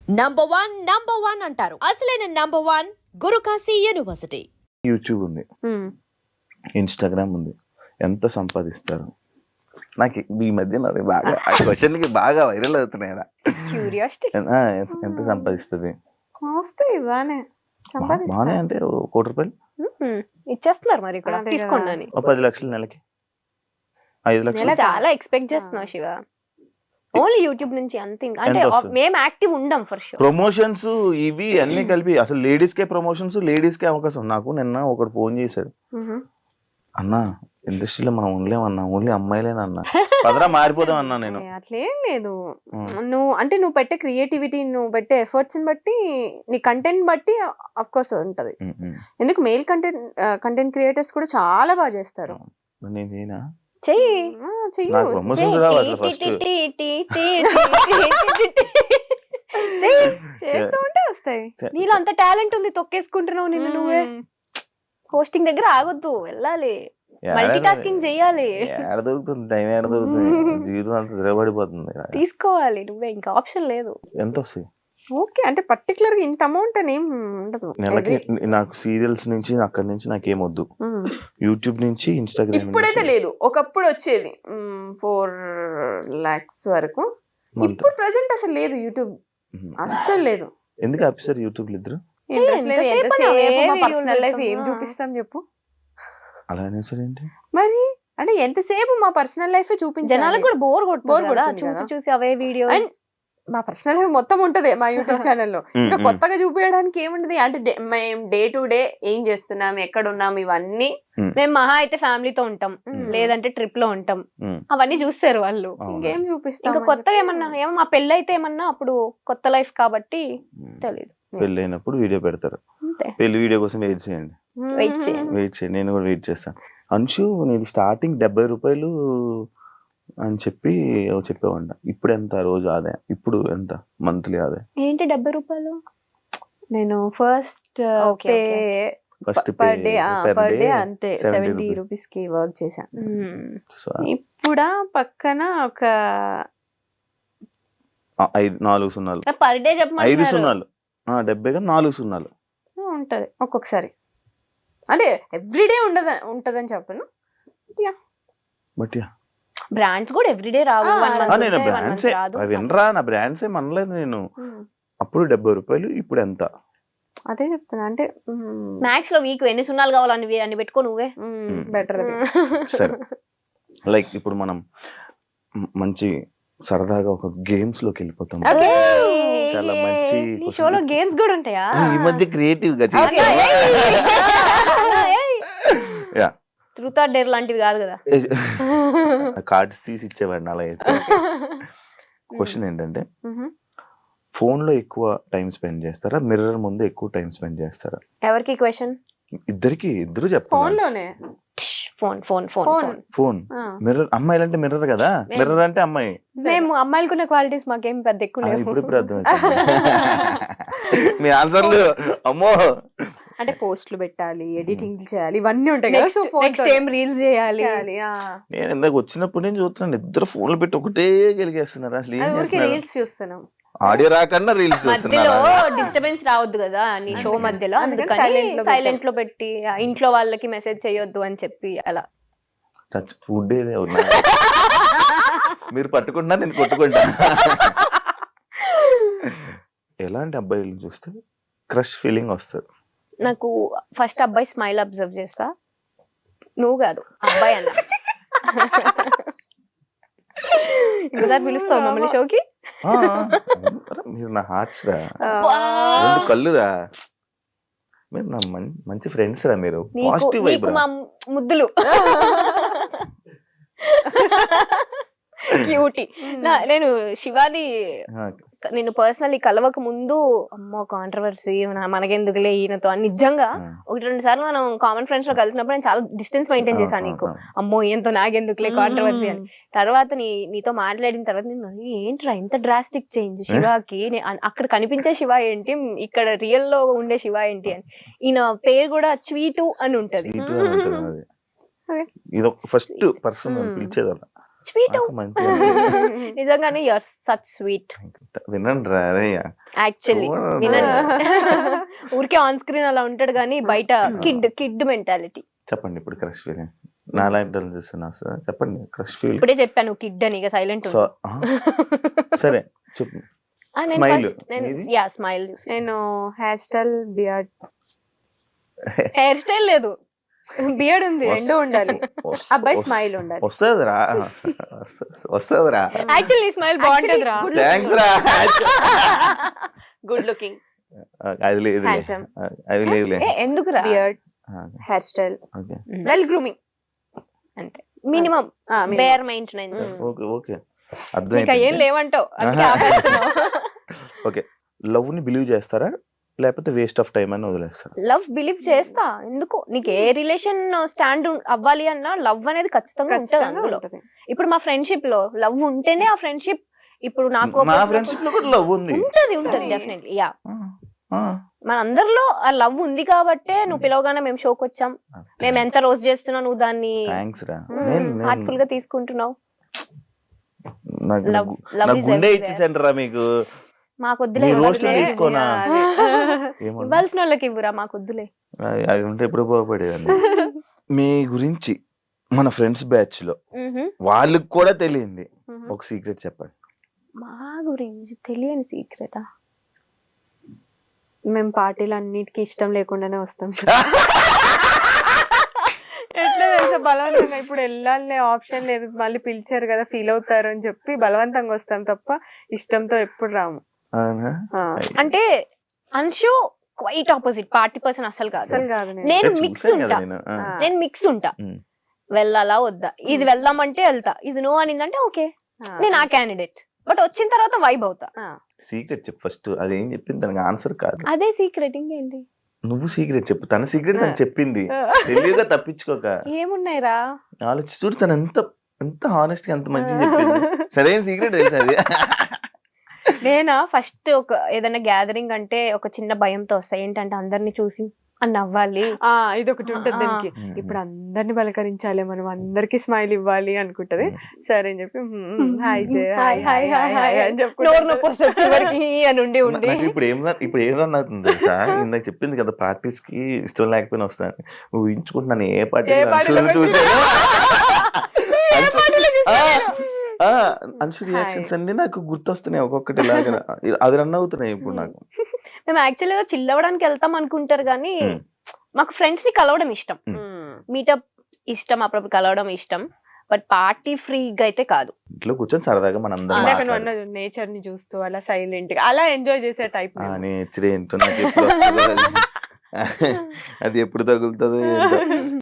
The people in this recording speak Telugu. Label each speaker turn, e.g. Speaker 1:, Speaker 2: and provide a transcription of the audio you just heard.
Speaker 1: నంబర్ వన్ అంటారు. అసలైన number one Gurukashi university.
Speaker 2: YouTube ఉంది, ఇన్స్టాగ్రామ్ ఉంది, ఎంత సంపాదిస్తారు? నాకు ఈ మధ్య నాకు బాగా ఆ క్వశ్చన్కి బాగా వైరల్ అవుతున్నాయి కదా.
Speaker 3: క్యూరియాసిటీ.
Speaker 2: ఎంత సంపాదిస్తుంది?
Speaker 3: వస్తాయి బానే
Speaker 2: బానే అంటే ₹1 కోటి
Speaker 3: ఇచ్చేస్తున్నారు మరి ఇక్కడ
Speaker 4: అదే
Speaker 3: తీసుకోండి అని.
Speaker 2: 10 లక్షలు నెలకి, 5 లక్షలు.
Speaker 3: చాలా ఎక్స్పెక్ట్ చేస్తున్నావు శివ. ఓన్లీ యూట్యూబ్ నుంచి అంతే. అంటే
Speaker 2: ఎంత వస్తుంది?
Speaker 3: మేము యాక్టివ్ ఉండం ఫర్ షూర్.
Speaker 2: ప్రమోషన్స్ ఇవి అన్ని కలిపి అసలు లేడీస్ కే ప్రమోషన్స్, లేడీస్ కే అవకాశం. నాకు నిన్న ఒకడు ఫోన్ చేశాడు, అన్నా ఇండస్ట్రీలో మనం ఉండలేమన్నా, ఓన్లీ అమ్మాయిలేనన్నా, పదరా మారిపోదాం అన్నా. నేను
Speaker 4: అట్లేం లేదు. నువ్వు పెట్టే క్రియేటివిటీ, నువ్వు పెట్టే ఎఫర్ట్స్ బట్టి, నీ కంటెంట్ బట్టి అఫ్ కోర్స్ ఉంటది. ఎందుకు మెయిల్ కంటెంట్ క్రియేటర్స్ కూడా చాలా బాగా చేస్తారు.
Speaker 2: నేనేనా
Speaker 3: చెయ్యి
Speaker 4: చెయ్యు.
Speaker 2: నాకు ప్రమోషన్స్ రావాలి ఫస్ట్.
Speaker 4: చేస్తూ ఉంటే వస్తాయి.
Speaker 3: నీలో అంత టాలెంట్ ఉంది, తొక్కేసుకుంటున్నావు నిన్ను నువ్వే. హోస్టింగ్ దగ్గర ఆగొద్దు, వెళ్ళాలి, మల్టీ టాస్కింగ్ చెయ్యాలి.
Speaker 2: ఏడ దొరుకుతుంది టైం, ఏడ దొరుకుతుంది? జీవితం అంతా ద్రవడిపోతుంది.
Speaker 3: తీసుకోవాలి నువ్వే, ఇంకా ఆప్షన్ లేదు.
Speaker 2: ఎంత వస్తాయి?
Speaker 4: ఓకే, అంటే పర్టికులర్ గా ఇంత అమౌంట్ అని ఏం ఉండదు.
Speaker 2: నెలకి నాకు సీరియల్స్ నుంచి అక్కడి నుంచి నాకేం వద్దు, యూట్యూబ్ నుంచి ఇన్స్టాగ్రామ్.
Speaker 4: ఇప్పుడైతే లేదు, ఒకప్పుడు వచ్చేది 4 lakhs వరకు. ఇప్పుడు ప్రెసెంట్ అసలు లేదు, యూట్యూబ్ అస్సలు లేదు.
Speaker 2: ఎందుకు ఆఫీసర్ యూట్యూబ్ ఇద్దరు?
Speaker 4: ఇంట్రెస్ట్ లేదు.
Speaker 3: ఎంతసేపు
Speaker 4: ఎంతసేపు మా
Speaker 3: అవే
Speaker 4: పర్సనల్ లైఫ్
Speaker 3: videos
Speaker 4: ఏం
Speaker 3: పెడతామా?
Speaker 4: చూపిస్తాం చెప్పు.
Speaker 2: అలానే సార్ ఏంటి
Speaker 4: మరి అంటే ఎంతసేపు మా పర్సనల్ లైఫ్ చూపించాలి.
Speaker 3: జనాలకు కూడా బోర్ కొడుతుంది కదా,
Speaker 4: కొడుతుంది
Speaker 3: చూసి
Speaker 4: కదా.
Speaker 3: చూసి అవే వీడియోస్.
Speaker 4: And మా పర్సనల్ లైఫ్ మొత్తం ఉంటది మా యూట్యూబ్ ఛానల్లో. ఇంకా కొత్తగా చూపించడానికి ఏముంటది అంటే మేము డే టు డే ఏం చేస్తున్నాం, ఎక్కడ ఉన్నాం, ఇవన్నీ.
Speaker 3: మేము మహా అయితే ఫ్యామిలీతో ఉంటాం, లేదంటే ట్రిప్ లో ఉంటాం, అవన్నీ చూస్తారు వాళ్ళు.
Speaker 4: ఇంకేం చూపిస్తాం.
Speaker 3: ఇంకా కొత్తగా ఏమో మా పెళ్ళి అయితే ఏమన్నా అప్పుడు కొత్త లైఫ్ కాబట్టి తెలియదు.
Speaker 2: పెళ్ళి అయినప్పుడు వీడియో పెడతారు.
Speaker 3: అంతే.
Speaker 2: పెళ్లి వీడియో కోసం వెయిట్ చేయండి,
Speaker 3: వెయిట్ చేయండి.
Speaker 2: వెయిట్ చేయండి. నేను కూడా వెయిట్ చేస్తాను. అంశు నేను స్టార్టింగ్ ₹70 అని చెప్పి చెప్పేవాడిన. ఇప్పుడు ఎంత రోజు ఆదాయం? ఇప్పుడు ఎంత మంత్లీ ఆదాయం?
Speaker 3: ఏంటి ₹70?
Speaker 4: నేను first
Speaker 3: Okay,
Speaker 2: first
Speaker 4: per day అంతే 70 rupees కి వర్క్ చేశాను. ఇప్పుడు పక్కన ఒక
Speaker 2: 4 సున్నాలు,
Speaker 3: పర్ డే
Speaker 2: 5
Speaker 3: చెప్పమంటున్నారు.
Speaker 2: సున్నాలు, 70 4 సున్నాలు
Speaker 4: ఉంటది ఒక్కొక్కసారి. అంటే ఎవ్రీడే ఉంటదని చెప్పను.
Speaker 2: బట్
Speaker 3: బ్రాండ్స్ కూడా ఎవ్రీడే రావు.
Speaker 4: ఆ,
Speaker 3: 1 month
Speaker 2: నేను
Speaker 3: ఉంటాయి, 1 month
Speaker 2: బ్రాండ్సే
Speaker 3: రాదు.
Speaker 2: వినరా, నా బ్రాండ్స్ ఏం అనలేదు నేను. అప్పుడు ₹70, ఇప్పుడు ఎంత?
Speaker 4: అదే చెప్తున్నా. అంటే
Speaker 3: మ్యాక్స్ లో వీక్ ఎన్ని సున్నాలు కావాలని అని పెట్టుకో నువ్వే.
Speaker 4: బెటర్ అది.
Speaker 2: సరే, లైక్ ఇప్పుడు మనం మంచి సరదాగా ఒక గేమ్స్ లోకి వెళ్ళిపోతాం. చాలా మంచి
Speaker 3: నీ షోలో గేమ్స్ కూడా ఉంటాయా?
Speaker 2: ఈ మధ్య క్రియేటివ్ గా యా,
Speaker 3: ట్రూత్ ఆర్ డేర్ లాంటివి కాదు కదా.
Speaker 2: కార్డ్స్ తీసి ఇచ్చేవాడిని అలా అయితే. క్వశ్చన్ ఏంటంటే, ఫోన్ లో ఎక్కువ టైం స్పెండ్ చేస్తారా, మిర్రర్ ముందు ఎక్కువ టైం స్పెండ్ చేస్తారా?
Speaker 3: ఎవరికి క్వశ్చన్?
Speaker 2: ఇద్దరు
Speaker 4: ఫోన్
Speaker 2: చెప్పాలి.
Speaker 4: లోనే.
Speaker 3: Phone phone phone phone.
Speaker 2: Phone mirror, అమ్మాయిలు అంటే మిర్రర్ కదా, మిర్రర్ అంటే అమ్మాయి.
Speaker 3: మేము అమ్మాయిలకున్న క్వాలిటీస్ మాకేం పెద్ద ఎక్కువ లేవు.
Speaker 2: ఇప్పుడు అర్థం మీ ఆన్సర్లు. అమ్మో,
Speaker 4: అంటే పోస్టులు పెట్టాలి, ఎడిటింగ్ చేయాలి, ఇవన్నీ ఉంటాయి కదా. సో
Speaker 3: నెక్స్ట్ ఏం రీల్స్ చేయాలి.
Speaker 2: నేను ఇందాక వచ్చినప్పుడు నేను చూస్తున్నాను, ఇద్దరు ఫోన్లు పెట్టి ఒకటే గెలిగేస్తున్నారు. అసలు ఏం
Speaker 4: ఊరికి
Speaker 2: చేస్తున్నారు?
Speaker 4: రీల్స్ చూస్తున్నాం.
Speaker 2: ఆడియో రాకన్నా రీల్స్
Speaker 3: మధ్యలో
Speaker 2: చూస్తున్నారు.
Speaker 3: డిస్టర్బెన్స్ రావద్దు కదా నీ షో మధ్యలో,
Speaker 4: అందుకని
Speaker 3: అందుకని సైలెంట్ లో పెట్టి ఇంట్లో వాళ్ళకి మెసేజ్ చేయొద్దు అని చెప్పి అలా.
Speaker 2: ఫుడ్ మీరు పట్టుకుంటా, నేను కొట్టుకుంటా. ఎలాంటి అబ్బాయిలు చూస్తే క్రష్ ఫీలింగ్ వస్తుంది?
Speaker 3: నాకు ఫస్ట్ అబ్బాయి స్మైల్ అబ్జర్వ్ చేస్తా. నువ్వు కాదు, అబ్బాయి అన్న. ఇంకోసారి పిలుస్తావు మమ్మల్ని షోకి?
Speaker 2: మీరు నా హార్ట్స్ రా, 2 కళ్ళురా, మీరు నా మంచి ఫ్రెండ్స్ రా, మీరు పాజిటివ్ వైబ్
Speaker 3: నీకు మా ముద్దులు. క్యూటీ. నేను శివాని నేను పర్సనల్లీ కలవక ముందు అమ్మో కాంట్రవర్సీ మనకెందుకులే ఈయనతో అని నిజంగా 1-2 సార్లు మనం కామన్ ఫ్రెండ్స్ లో కలిసినప్పుడు నేను చాలా డిస్టెన్స్ మెయింటైన్ చేశాను. నీకు అమ్మో ఈయనతో నాకెందుకులే కాంట్రవర్సీ అని. తర్వాత నీతో మాట్లాడిన తర్వాత నేను ఏంట్రా ఇంత డ్రాస్టిక్ చేంజ్ శివాకి, అక్కడ కనిపించే శివ ఏంటి, ఇక్కడ రియల్ లో ఉండే శివ ఏంటి అని. ఈయన పేరు కూడా స్వీటు అని ఉంటది.
Speaker 2: ఇది ఫస్ట్ పర్సన్ పిలిచేదన్న.
Speaker 3: స్వీట్
Speaker 2: నాకు మంచి అనిపించింది.
Speaker 3: నిజంగానే యూఆర్ సచ్ స్వీట్
Speaker 2: వినండి రా రే
Speaker 3: యాక్చువల్లీ
Speaker 2: చూడండి.
Speaker 3: వినండి ఊరికే ఆన్ స్క్రీన్ అలా ఉంటాడు కానీ బయట కిడ్ మెంటాలిటీ.
Speaker 2: చెప్పండి ఇప్పుడు క్రష్ ఫీలింగ్ నాలాంటి వాళ్ళు చూస్తున్నా సార్ చెప్పండి క్రష్ ఫీలింగ్
Speaker 3: ఇప్పుడే చెప్పాను కిడ్ అని ఇక సైలెంట్
Speaker 2: సో సరే చెప్పు Smile. నీది?
Speaker 3: స్మైల్
Speaker 4: నేను hair style beard
Speaker 3: hair style లేదు బియర్డ్ ఉంది.
Speaker 4: రెండు ఉండాలి. అబ్బాయి స్మైల్ ఉండాలి.
Speaker 2: వస్తుందిరా వస్తుందిరా
Speaker 3: యాక్చువల్లీ స్మైల్ బాగుంటుంది రా.
Speaker 2: థ్యాంక్స్ రా
Speaker 4: గుడ్ లుకింగ్,
Speaker 2: అది లేదు
Speaker 4: హ్యాండ్సమ్,
Speaker 2: అది లేదులే
Speaker 3: ఎందుకు రా
Speaker 4: beard, hair style,
Speaker 2: okay
Speaker 4: well grooming,
Speaker 3: అంటే minimum bare maintenance.
Speaker 2: Okay okay
Speaker 3: ఇంకా
Speaker 2: అర్థమైంది.
Speaker 3: ఏం లేవంటావు అందుకే ఆపేస్తున్నావు.
Speaker 2: ఓకే లవ్ ని బిలీవ్ చేస్తారా లేకపోతే వేస్ట్ ఆఫ్ టైం అని వదిలేస్తారా?
Speaker 3: లవ్ బిలీవ్ చేస్తా. ఎందుకు నీకు ఏ రిలేషన్ స్టాండ్ అవ్వాలి అన్నా లవ్ అనేది ఖచ్చితంగా ఉంటుంది అందులో. ఇప్పుడు మా ఫ్రెండ్షిప్ లో లవ్ ఉంటేనే ఆ ఫ్రెండ్షిప్. ఇప్పుడు నాకు
Speaker 2: నా ఫ్రెండ్షిప్ లో కూడా లవ్ ఉంది.
Speaker 3: ఉంటది డెఫినెట్లీ. యా మన అందరిలో ఆ లవ్ ఉంది కాబట్టే నువ్వు పిలవగానే మేము షోకి వచ్చాం. మేము ఎంత రోజు చేస్తున్నావు నువ్వు దాన్ని
Speaker 2: థ్యాంక్స్ రా
Speaker 3: హార్ట్ఫుల్ గా తీసుకుంటున్నావు.
Speaker 2: నాకు
Speaker 3: లవ్
Speaker 2: నాకు గుండె ఇచ్చేసండి రా మీకు.
Speaker 3: మాకు వద్దులే,
Speaker 2: మీ రోస్ట్లు తీసుకోనా ఏమన్నా
Speaker 3: ఇవ్వాల్సిన వాళ్ళకి ఇవ్వరా, మాకు వద్దులే.
Speaker 2: అది ఉంటే ఎప్పుడు బాగుపడేదండి. మీ గురించి మన ఫ్రెండ్స్ బ్యాచ్ లో వాళ్ళకి కూడా తెలియంది ఒక సీక్రెట్ చెప్పండి.
Speaker 3: మా గురించి తెలియని సీక్రెటా?
Speaker 4: మేము పార్టీలు అన్నిటికీ ఇష్టం లేకుండానే వస్తాం. ఎట్లా తెలుసా, బలవంతంగా ఇప్పుడు వెళ్ళాలనే ఆప్షన్ లేదు, మళ్ళీ పిలిచారు కదా ఫీల్ అవుతారు అని చెప్పి బలవంతంగా వస్తాం తప్ప ఇష్టంతో ఎప్పుడు రాము.
Speaker 2: అవునా?
Speaker 3: అంటే Anshu quite opposite, party person అసలు కాదు.
Speaker 4: అసలు కాదు.
Speaker 3: నేను
Speaker 2: చూసాను
Speaker 3: మిక్స్
Speaker 2: కదా
Speaker 3: ఉంటా.
Speaker 2: నేను.
Speaker 3: నేను మిక్స్ ఉంటా.
Speaker 2: ఉమ్.
Speaker 3: వెళ్ళాలా వద్దా, ఇది వెళ్దామంటే వెళ్తా, ఇది నో అనిందంటే ఓకే నేను ఆ క్యాండిడేట్. బట్ వచ్చిన తర్వాత వైబ్ అవుతా.
Speaker 2: సీక్రెట్ చెప్పు ఫస్ట్. అదేం చెప్పింది దానికి ఆన్సర్ కాదు.
Speaker 3: అదే సీక్రెట్, ఇంకేంటి?
Speaker 2: నువ్వు సీక్రెట్ చెప్పు. తన సీక్రెట్ తను చెప్పింది. తెలియగా తప్పించుకోక
Speaker 3: ఏమున్నాయిరా
Speaker 2: ఆలోచి చూడు. తను ఎంత ఎంత హానెస్ట్ గా ఎంత మంచిగా చెప్పింది. సరైన సీక్రెట్ తెలుసు అది.
Speaker 3: నేనా ఫస్ట్ ఒక ఏదైనా గ్యాదరింగ్ అంటే ఒక చిన్న భయంతో వస్తాయి. ఏంటంటే అందరిని చూసి అని అవ్వాలి.
Speaker 4: ఇది ఒకటి ఉంటుంది దానికి. ఇప్పుడు అందరిని పలకరించాలి, మనం అందరికి స్మైల్ ఇవ్వాలి అనుకుంటది. సరే అని చెప్పి hi
Speaker 3: hi hi hi hi అని నోరు నొప్పి వస్తుంది చివరికి అని ఉండి
Speaker 2: నాకు ఇప్పుడు ఏం రన్ అవుతుంది తెలుసా? ఇందాక చెప్పింది కదా పార్టీస్ కి ఇష్టం లేకపోయినా వస్తాను. ఊహించుకుంటున్నాను ఏ పార్టీ చూసాను. అన్షు రియాక్షన్స్ అన్ని నాకు గుర్తొస్తున్నాయి ఒక్కొక్కటి లాగా. అది రన్ అవుతున్నాయి ఇప్పుడు నాకు.
Speaker 3: మేము యాక్చువల్గా చిల్ అవ్వడానికి వెళ్తాం అనుకుంటారు కానీ మాకు ఫ్రెండ్స్ ని కలవడం ఇష్టం, మీటప్ ఇష్టం, అప్పుడప్పుడు కలవడం ఇష్టం. బట్ పార్టీ ఫ్రీగా అయితే కాదు.
Speaker 2: ఇంట్లో కూర్చొని సరదాగా మన అందరం
Speaker 4: నేచర్ ని చూస్తూ అలా సైలెంట్ గా అలా ఎంజాయ్ చేసే టైప్.
Speaker 2: నేచర్ ఏంటో నాకు ఎప్పుడు వస్తుందో అది ఎప్పుడు తగులుతుందో ఏంటో.